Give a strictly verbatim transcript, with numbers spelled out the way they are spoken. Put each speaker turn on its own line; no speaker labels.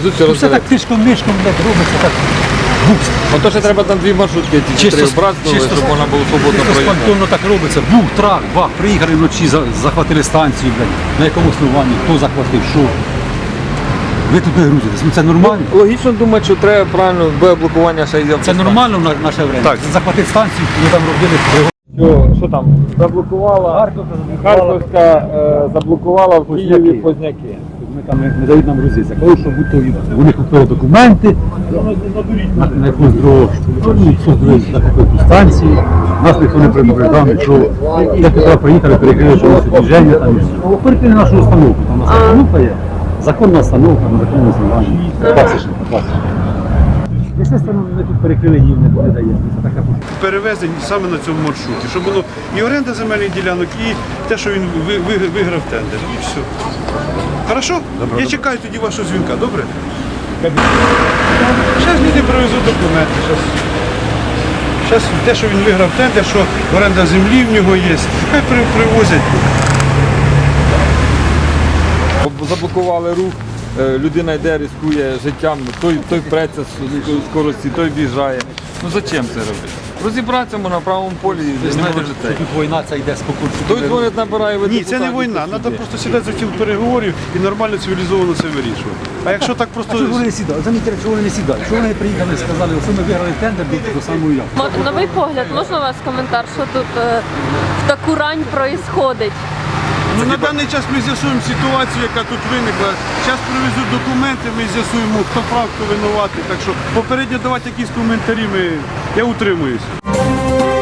привезуть, все
Ну, все так
розбереться.
тишком-нишком, блядь, робиться так. Букс.
Ото ще треба там дві маршрутки, ті
Чисто
три
с-
образнули,
чисто
щоб
с-
можна було свободно
Чисто
проїхати.
спонтанно так робиться. Бух, трак, бах, приїхали вночі, за- захватили станцію, блядь. На якому основанні, хто захватив, що. Ви тут не грузитесь, ну це нормально.
Логічно думати, що треба правильно без блокування ще йде.
Це нормально в на- наше время.
Так.
Захватити станцію, ми там робили.
Що, що там? Заблокувала, Харківська е, заблокувала в Києві
Позняки.
Позняки.
Ми там не, не дають нам грузитися. Коли що будь-то вони купили документи на, на якусь дорогу, ну, создали захопили ту станцію. Нас ніхто не предупреждав, що як туди приїхали, перекрили повністю движення там і все. Перекрили нашу установку, там у нас установка є. Законна установка на законному основанні. Пасічна, пасічна. Естественно, ми тут перекрили їм, не, не даємо. Це така
Перевезень саме на цьому маршруті, щоб воно і оренда земельних ділянок, і те, що він ви- ви- виграв тендер. І все. Хорошо? Я чекаю тоді вашого дзвінка, добре? Зараз люди привезуть документи. Зараз те, що він виграв тендер, що оренда землі в нього є, хай при- привозять.
Заблокували рух, е, людина йде, ризикує життям, той, той преться з з скорості, той біжає. Ну зачем це робити? Розібратися можна на правому полі і
Ви
не
знаєте,
може
що
це.
тут війна це йде спокійно.
Той дзвонить, набирає ви
Ні, це не
депутатів,
війна.
тут
Треба
іде.
просто сідати за стіл переговорів і нормально цивілізовано це вирішувати. А якщо так просто.
А чого вони не сідали? Замітьте, чого вони не сідали? Чого вони приїхали і сказали, що ми виграли тендер до, до самої явки?
Мо- Новий погляд, можна у вас коментар, що тут е, в таку рань проїсходить?
Ну, на даний час ми з'ясуємо ситуацію, яка тут виникла. Зараз привезуть документи, ми з'ясуємо, хто прав, хто винуватий. Так що попередньо давати якісь коментарі, ми... я утримуюсь.